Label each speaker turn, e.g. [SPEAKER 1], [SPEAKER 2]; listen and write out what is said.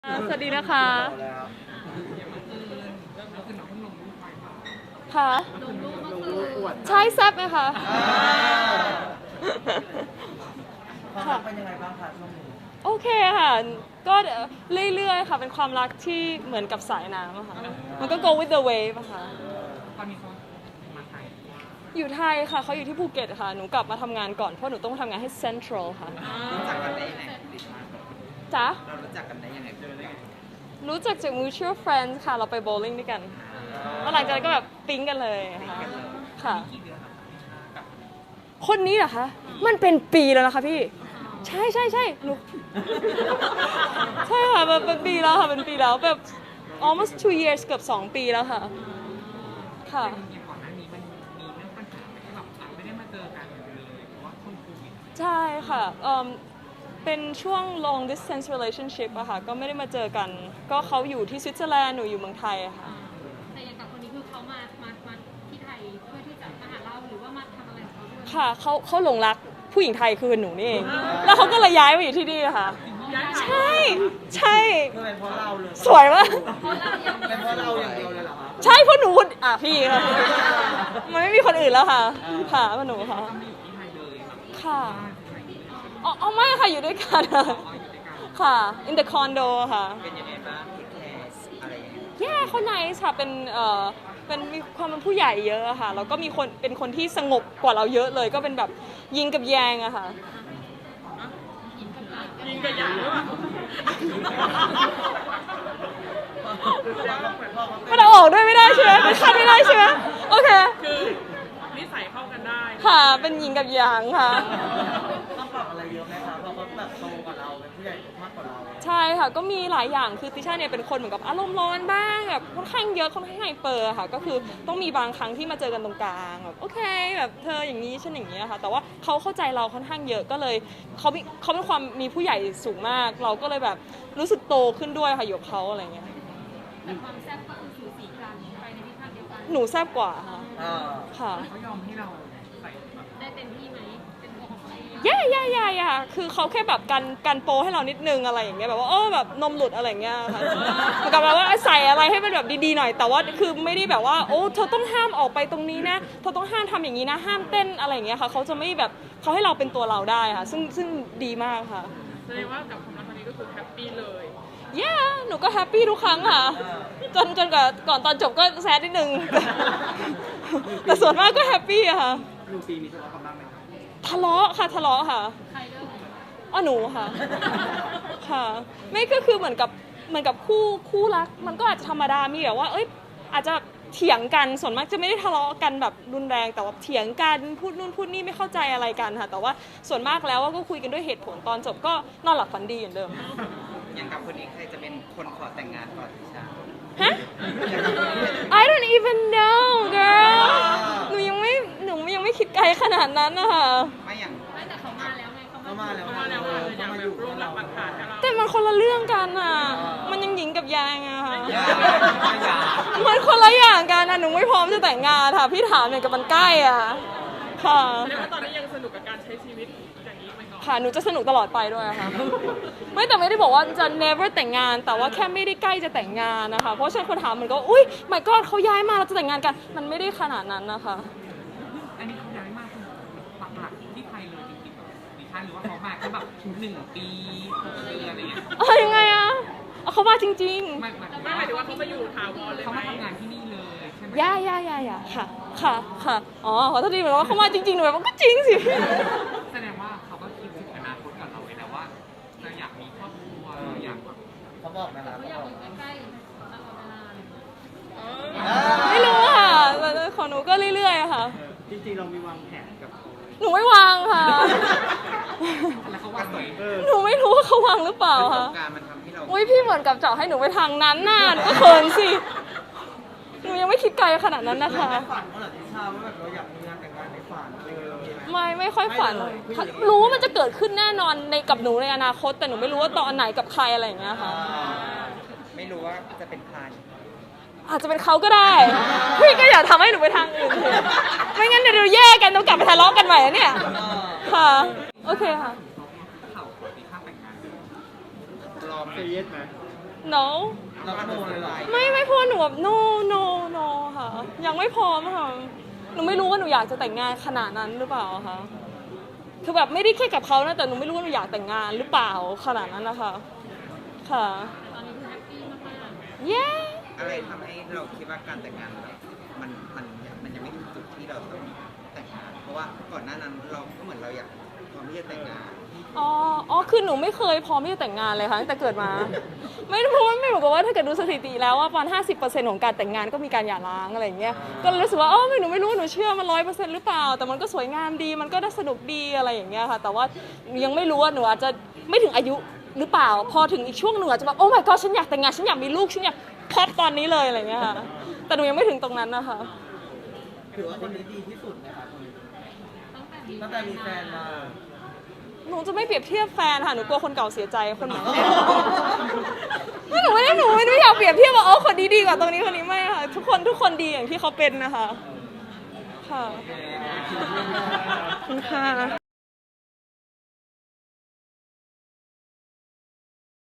[SPEAKER 1] สวัสดีนะคะค่ะใช่แซ่บไหมคะ
[SPEAKER 2] ความรักเป็นยังไงบ้างคะช่วงนี้
[SPEAKER 1] โอเคค่ะ ก็เรื่อยๆค่ะ เป็นความรักที่เหมือนกับสายน้ำอะค่ะ มันก็ go with the wave อะค่ะ
[SPEAKER 3] ตอนนี้เขามาไทย
[SPEAKER 1] อยู่ไทยค่ะ เขาอยู่ที่ภูเก็ตค่ะ หนูกลับมาทำงานก่อน เพราะหนูต้องทำงานให้ Central ค่ะ
[SPEAKER 3] รู้จักกันได้ยังไงดิฉัน
[SPEAKER 1] จ๊ะ
[SPEAKER 3] เรารู้จักกันได้ยังไงเจอได้ไง
[SPEAKER 1] รู้จักจาก mutual friends ค่ะ เราไปโบว์ลิ่งด้วยกันแล้วหลังจากนั้นก็แบบปิ๊งกันเลยค่ะ
[SPEAKER 3] กี่เดือนครับกับ
[SPEAKER 1] คนนี้เหรอคะ มันเป็นปีแล้วนะคะพี่ ใช่ใช่ใช่หนูใช่ค่ะเป็นปีแล้วค่ะ เป็นปีแล้วแบบ almost 2 years เกือบ2 ปีแล้วค่ะ ค่ะ
[SPEAKER 3] อย่างก่อนหน้านี้มันมีเรื่องปัญหาไหมที่แบบไม่ได้มาเจอกันเลยเพราะว่าคนโควิด
[SPEAKER 1] ใช่ค่ะเป็นช่วง long distance relationship อะค่ะ ก็ไม่ได้มาเจอกัน ก็เขาอยู่ที่สวิตเซอร์แลนด์ หนูอยู่เมืองไทยอะค่ะ
[SPEAKER 4] แต่อย่างกับคนนี้คือเขามาที่ไทยเพื่อที่จะมาหาเราหรือว่ามาทำอะไรของเขาด้วย
[SPEAKER 1] ค่ะเขาหลงรักผู้หญิงไทยคือหนูนี่เอง แล้วเขาก็เลยย้ายมาอยู่ที่นี่ค่ะ ใช่ ใช่
[SPEAKER 2] คือเป็นเพราะเราเลย
[SPEAKER 1] สวยมาก
[SPEAKER 2] เป็นเพราะเราอย่างเดียวเลยเหรอคะ
[SPEAKER 1] ใช่เพราะหนูพี่ค่ะมันไม่มีคนอื่นแล้วค่ะ ค่ะเพราะหนูค่ะ
[SPEAKER 3] ไม่อยู่ที่ไทยเลยแบบ
[SPEAKER 1] ค่ะอ๋อไม่ค่ะอยู่ด้วยกันค่ะ in the condo ค่ะ
[SPEAKER 3] เป็นยังไงบ้างที่แคสอะไรอย่างเงี้ย
[SPEAKER 1] แย่เขาไนส์ค่ะเป็นมีความเป็นผู้ใหญ่เยอะอะค่ะแล้วก็มีคนเป็นคนที่สงบกว่าเราเยอะเลย ก็เป็นแบบยิงกับแยงอะค่ะยิงกับยางหรือเปล่ามันเอาออกด้วยไม่ได้ใช่ไหมมันคัดไม่ได้ใช่ไหมโอเค
[SPEAKER 5] คือนิสัยเข้ากันได้
[SPEAKER 1] ค่ะเป็นยิงกับยางค่ะ
[SPEAKER 2] ต้องปรับอะไรเยอะไหมคะเพราะเขาแบบโตกว่าเราเป็นผู้ใหญ่มากกว่าเรา
[SPEAKER 1] ใช่ค่ะก็มีหลายอย่างคือติช่าเนี่ยเป็นคนเหมือนกับอารมณ์ร้อนบ้างแบบค่อนข้างเยอะค่อนข้างไฮเปอร์ค่ะก็คือต้องมีบางครั้งที่มาเจอกันตรงกลางแบบโอเคแบบเธออย่างนี้ฉันอย่างนี้ค่ะแต่ว่าเขาเข้าใจเราค่อนข้างเยอะก็เลยเขาเป็นความมีผู้ใหญ่สูงมาก เราก็เลยแบบรู้สึกโตขึ้นด้วยค่ะอยู่กับเขาอะไรเงี้ย
[SPEAKER 4] แต่ความแซ่บก็คือสูสีกันไปในทิศทางเดียวกัน
[SPEAKER 1] หนูแซ่บกว่าค่ะ
[SPEAKER 2] อ่า
[SPEAKER 1] ค่ะ
[SPEAKER 3] เขายอมให้เราใส่แบบ
[SPEAKER 4] ได้เต็มที่ไหมเป็นตัวของตัวเอง
[SPEAKER 1] ย่าคือเขาแค่แบบกันโปให้เรานิดนึงอะไรอย่างเงี้ยแบบว่าแบบนมหลุดอะไรอย่างเงี้ยค่ะเหมือนกับแบบว่าใส่อะไรให้มันแบบดีๆหน่อยแต่ว่าคือไม่ได้แบบว่าโอ้เธอต้องห้ามออกไปตรงนี้นะเธอต้องห้ามทำอย่างนี้นะห้ามเต้นอะไรอย่างเงี้ยค่ะเขาจะไม่แบบเขาให้เราเป็นตัวเราได้ค่ะซึ่งดีมากค่ะ
[SPEAKER 5] แสดงว่ากับความรักครั้งนี้ก็คือแฮปปี้เลย
[SPEAKER 1] หนูก็แฮปปี้ทุกครั้งค่ะจนกับก่อนตอนจบก็แซดนิดนึงแต่ส่วนมากก็แฮปปี้อะค่ะ
[SPEAKER 2] ลูปีมีทะเลาะกันบ้างไหมคะ
[SPEAKER 1] ทะเลาะค่ะ
[SPEAKER 4] ใครเริ่ม
[SPEAKER 1] หนูค่ะ ค่ะ ไม่ก็คือเหมือนกับคู่รัก มันก็อาจจะธรรมดา มีแบบว่า อาจจะเถียงกัน ส่วนมากจะไม่ได้ทะเลาะกันแบบรุนแรง แต่ว่าเถียงกัน พูดนู่นพูดนี่ไม่เข้าใจอะไรกันค่ะ แต่ว่าส่วนมากแล้วก็คุยกันด้วยเหตุผล ตอนจบก็นอนหลับฝันดีเหมือนเดิม
[SPEAKER 3] อย่างกับคนนี้ใครจะเป็นคนขอแต่งงานก่อนดิฉัน
[SPEAKER 1] ฮะ I don't even know girl หนูยังไม่คิดไกลขนาดนั้นนะคะ
[SPEAKER 3] ไม่อย่าง
[SPEAKER 4] ไม่แต่เขามาแล้วไงเขา
[SPEAKER 2] เขามาแล้ว
[SPEAKER 5] เพราะว่าแล้วอาจจะอยากแบบร่วมรับประทานให้เรา
[SPEAKER 1] แต่มันคนละเรื่องกันอ่ะ มันยังหญิงกับยางอะค่ะ
[SPEAKER 3] อย่า
[SPEAKER 1] มันคนละอย่างกันอะหนูไม่พร้อมจะแต่งงานค่ะ พี่ถามเนี่ยกับมันใกล้อ่ะ ค่ะ
[SPEAKER 5] แสดงว่าตอนนี้ยังสนุกกับการใช้ชีวิตอย่างนี้ไปก่อน
[SPEAKER 1] ค่ะ หนูจะสนุกตลอดไปด้วยค่ะ แต่ไม่ได้บอกว่าจะ never แต่งงาน แต่ว่าแค่ไม่ได้ใกล้จะแต่งงานนะคะ เพราะฉะนั้นคนถามมันก็ อุ้ย my god เขาย้ายมาเราจะแต่งงานกัน มันไม่ได้ขนาดนั้นนะคะ
[SPEAKER 3] อันนี้เขาย้ายมาคือปักหลักที่ไทยเลยจริงๆแบบดิฉันหรือว่าเขามาแค่แบบ1 ปี6 เดือนอะไรเงี้ย
[SPEAKER 1] ยังไงอะเขามาจริง
[SPEAKER 3] ไม่
[SPEAKER 5] ไม่หมายถึงว่าเขามาอยู่ถาวรเลย
[SPEAKER 3] เขา
[SPEAKER 5] ไหม
[SPEAKER 3] มาทำงานที่นี่เลยใช่ไหม
[SPEAKER 1] ๆย่าค่ะ อ๋อ ขอโทษทีเหมือนว่าเขามาจริงๆหนูแบบว่าก็จริงสิ
[SPEAKER 3] แสดงว่าเขาก็คิดถึงอนาคตกับเราไว้แล้วว่าเราอยากมีครอบครัวอยากแบบ
[SPEAKER 2] เขาบอกไหมคะ
[SPEAKER 4] เขาอยากอยู่ใกล้ๆตลอดเวลาเลย
[SPEAKER 1] ไม่รู้ค่ะแต่ของหนูก็เรื่อยๆอะค่ะ
[SPEAKER 2] จริงๆเรามีวางแผนกับเขา
[SPEAKER 1] หนูไม่วางค่ะ
[SPEAKER 3] แล้วเขาว่าสวย
[SPEAKER 1] หนูไม่รู้ว่าเขาวางหรือเปล่า
[SPEAKER 3] ประส
[SPEAKER 1] ค่ะ
[SPEAKER 3] บการณ์มันทำให้เรา
[SPEAKER 1] อุ้ยพี่เหมือนกับเจาะให้หนูไปทางนั้นน่ะหนูก็เขินสิ หนูยังไม่คิดไกลขนาดนั้นนะคะ
[SPEAKER 2] ในฝันเขาเหรอที่ชาว่าแบบเราอยากมีงานแต่งงานในฝันอะไรอย่างเงี้ยมีไหม
[SPEAKER 1] ไม่ค่อยฝัน
[SPEAKER 2] ไม่เลยผู้หญิง
[SPEAKER 1] รู้ว่ามันจะเกิดขึ้นแน่นอนในกับหนูในอนาคต แต่หนูไม่รู้ว่าตอนไหนกับใครอะไรอย่างเงี้ยค่ะ
[SPEAKER 3] ไม่รู้ว่าจะเป็นใคร
[SPEAKER 1] อาจจะเป็นเขาก็ได้ พี่ก็อย่าทำให้หนูไปทางอื่นเถอะไม่งั้นเดี๋ยวเราแยกกันต้องกลับไปทะเลาะกันใหม่นะเนี่ย ค่ะ โอเคค่ะ
[SPEAKER 3] เขาขอตีค่าแต่งงานรอไหม
[SPEAKER 2] เซเยสไหม
[SPEAKER 1] no
[SPEAKER 2] เราก็โดนเลยเหรอ
[SPEAKER 1] ไม่พอหนูแบบ no ค่ะ ยังไม่พร้อมค่ะ หนูไม่รู้ว่าหนูอยากจะแต่งงานขนาดนั้นหรือเปล่าคะคือแบบไม่ได้แค่กับเขานะแต่หนูไม่รู้ว่าหนูอยากแต่งงานหรือเปล่าขนาดนั้นนะคะค่ะ
[SPEAKER 4] ตอนนี้คือแฮปปี้มาก
[SPEAKER 1] เย้
[SPEAKER 6] อะไรทำให้เราคิดว่าการแต่งงานแบบมันยังไม่ถึงจุดที่เราต้องแต่งงาน เพราะว่าก่อนหน้านั้นเราก็เหมือนเราอยากพร้อมที่จะแต่งงาน
[SPEAKER 1] อ๋อคือหนูไม่เคยพร้อมที่จะแต่งงานเลยค่ะตั้งแต่เกิดมา ไม่รู้ว่าไม่บอกว่าถ้าเกิดดูสถิติแล้วว่าประมาณ50%ของการแต่งงานก็มีการหย่าร้างอะไรอย่างเงี้ย ก็เลยรู้สึกว่าหนูไม่รู้หนูเชื่อมัน100%หรือเปล่า แต่มันก็สวยงามดี มันก็ได้สนุกดีอะไรอย่างเงี้ยค่ะ แต่ว่ายังไม่รู้ว่าหนูอาจจะไม่ถึงอายุหรือเปล่า พอถึงอีกช่วงหนึ่งอาจจะแบบโอ้ my god ฉันอยากแต่งงาน ฉันอยากมีลูก ฉันอยากพอดตอนนี้เลยอะไรอย่างเงี้ยค่ะ แต่หนูยังไม่ถึงตรงนั้นนะคะ
[SPEAKER 2] ถือว่าคนนี้ดีที่สุดนะครับ
[SPEAKER 4] ๆตั้งแต่มี
[SPEAKER 2] ตั้งแต่มีแฟนมา
[SPEAKER 1] หนูจะไม่เปรียบเทียบแฟนค่ะ หนูกลัวคนเก่าเสียใจคนใหม่ หนูไม่ได้อยากเปรียบเทียบว่าคนนี้ดีกว่าตรงนี้คนนี้ไม่ค่ะ ทุกคนดีอย่างที่เขาเป็นนะคะ ค่ะ ขอบคุณค่ะ